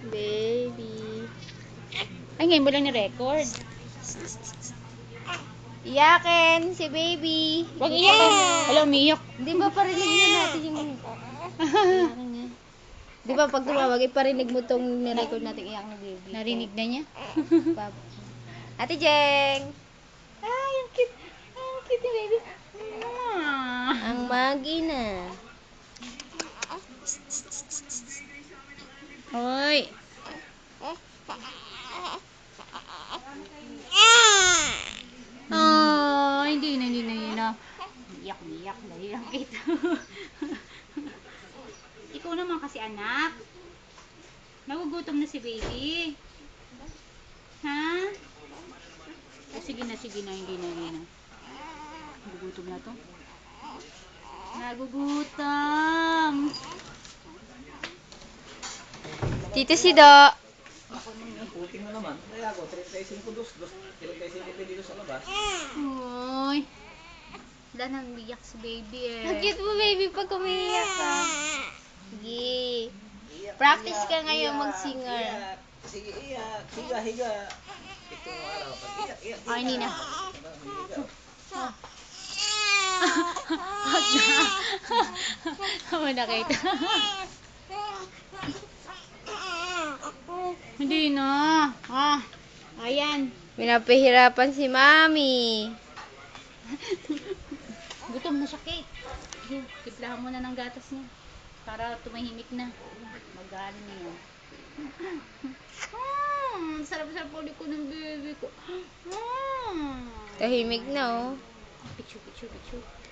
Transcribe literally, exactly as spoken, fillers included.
Baby. Ay, ngayon mo lang ni-record. Iyakin si baby. Huwag iyak. Wala, umiyak. Di ba parinig na natin yung iyakin niya? Di ba pag tumawag, iparinig mo tong nirecord natin iyak ni baby. Narinig na niya. Pap- Ate Jeng! Ay, ang cute. Ang cute ni baby. Ang magi na. Hoy. Oh, hindi na, hindi na, hindi na. Iyak, iyak. Dahil lang kita. Ikaw naman kasi anak. Nagugutom na si baby. Ha? Oh, sige na, sige na, hindi na, hindi na. Nagugutom na to. Nagugutom. Tito si Do. Puting mo naman. Kaya ako, thirty-five dos, thirty-five dito sa labas. Hoy. Wala nang biyak si baby eh. Ang cute mo baby pag umiiyak ka. Sige. Practice ka ngayon mag-singer. Iyak. Sige, iyak. Higa, higa. Itong araw. Pag iyak, iyak. Oh, hindi na. Huwag na. Tama na kita. Hindi na. Ah, ayan. Pinapahirapan si Mami. Gutom na siya, Kate. Ayun, tiplahan mo na ng gatas niya. Para tumahimik na. Mag-ano na yan. Hmm, sarap-sarap ulit ko ng baby ko. Hmm. Tahimik na oh. Picture, picture, picture.